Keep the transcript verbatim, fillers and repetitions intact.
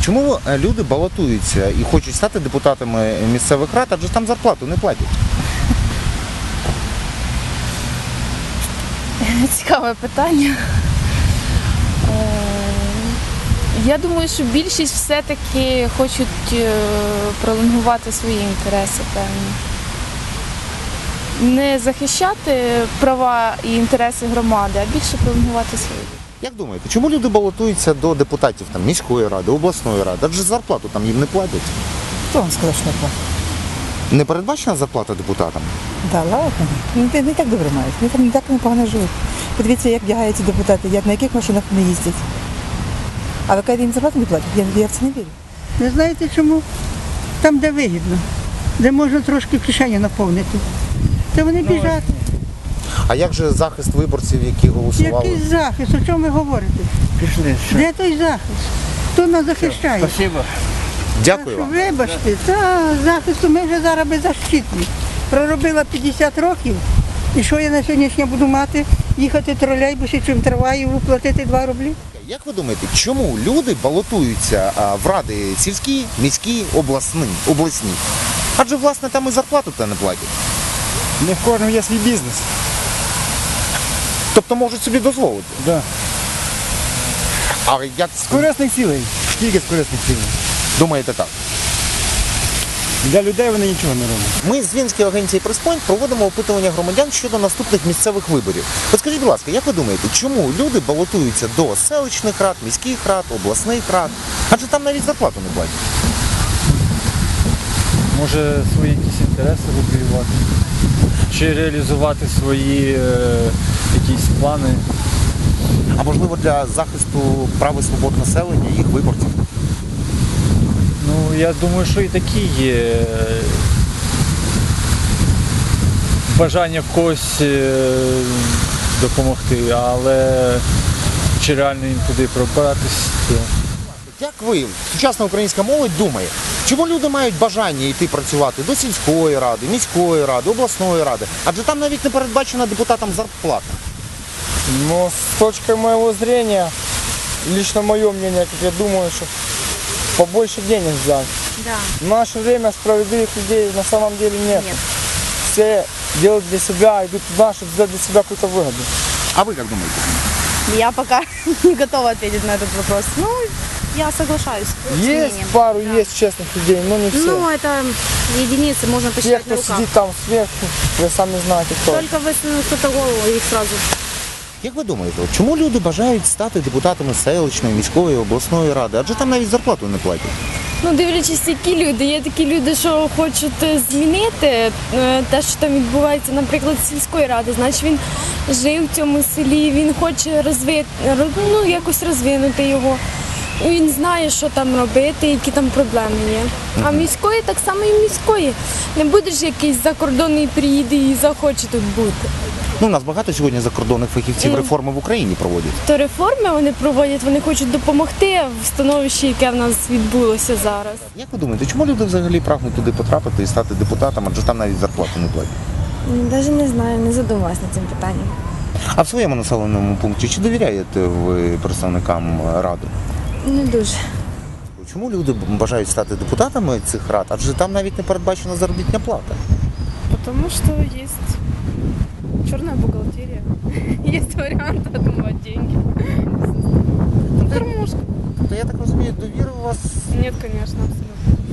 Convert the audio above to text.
чому е, люди балотуються і хочуть стати депутатами місцевих рад, адже там зарплату не платять? Цікаве питання. Е, Я думаю, що більшість все-таки хочуть е, пролонгувати свої інтереси, певні. Не захищати права і інтереси громади, а більше пролонгувати свої. Як думаєте, чому люди балотуються до депутатів там, міської ради, обласної ради? Адже зарплату там їм не платять. Хто вам сказав, що не платить? Не передбачена зарплата депутатам? Да, ладно. Ну, не, не так добре мають. Вони там не так непогано живуть. Подивіться, як вдягаються депутати, як на яких машинах вони їздять. А ви кажете, їм зарплату не платять? Я, я в це не вірю. Не знаєте чому? Там, де вигідно, де можна трошки кишені наповнити. Та вони біжать. А як же захист виборців, які голосували? Який захист? О чому ви говорите? Пішли, що? Де той захист? Хто нас захищає? Спасибо. Дякую Що, вам. вибачте, та захисту ми вже зараз беззащитні. Проробила п'ятдесят років. І що я на сьогоднішнє буду мати? Їхати тролейбусі, чим трамваєву, платити два рублі? Як ви думаєте, чому люди балотуються а, в ради сільські, міські, обласні, обласні? Адже, власне, там і зарплату-то не платять. Не в кожному є свій бізнес. Тобто можуть собі дозволити. Да. А як З корисних цілей. Тільки з корисних цілей. думаєте так? Для людей вони нічого не роблять. Ми з Вінської агенції «Преспойнт» проводимо опитування громадян щодо наступних місцевих виборів. От скажіть, будь ласка, як ви думаєте, чому люди балотуються до селищних рад, міських рад, обласних рад? Адже там навіть зарплату не платять. Може свої якісь інтереси вибоювати, чи реалізувати свої е, якісь плани. А можливо для захисту прав і свобод населення, їх виборців? Ну, я думаю, що і такі є е, бажання в когось е, допомогти, але чи реально їм туди пробратись, то... Як ви, сучасна українська молодь, думає, чому люди мають бажання йти працювати до сільської ради, міської ради, обласної ради? Адже там навіть не передбачена депутатам зарплата. Но с точки моего зрения, лично мое мнение, как я думаю, что побольше денег взять. Да. В наше время справедливых людей на самом деле нет. Нет. Все делают для себя, идут туда, чтобы сделать для себя какую-то выгоду. А ви як думаєте? Я пока не готова ответить на этот вопрос. Ну, я соглашаюсь с Есть мнением. пару, Да. есть честных людей, но не все. Ну, это единицы, можно Те, посчитать кто на руках. сидит там сверху, вы сами знаете кто. Только высунул кто-то голову, их сразу. Як ви думаєте, от чому люди бажають стати депутатами селищної, міської, обласної ради? Адже там навіть зарплату не платять. Ну, дивлячись, які люди. Є такі люди, що хочуть е, змінити е, те, що там відбувається, наприклад, з сільської ради. Значить, він жив в цьому селі, він хоче розвити, ну, якось розвинути його. І він знає, що там робити, які там проблеми є. А міської так само і міської. Не будеш якийсь закордонний приїде і захоче тут бути. Ну, у нас багато сьогодні закордонних фахівців Мгм. реформи в Україні проводять. То реформи вони проводять, вони хочуть допомогти в становищі, яке в нас відбулося зараз. Як ви думаєте, чому люди взагалі прагнуть туди потрапити і стати депутатом, адже там навіть зарплату не платять? Навіть не знаю, не задумалась над цим питанням. А в своєму населеному пункті чи довіряєте ви представникам ради? Не дуже. Чому люди бажають стати депутатами цих рад, адже там навіть не передбачена заробітна плата? Потому что есть черная бухгалтерия. Есть вариант отмывать деньги. Кормушка. Тобто, я так розумію, довіри у вас Нет, конечно, абсолютно.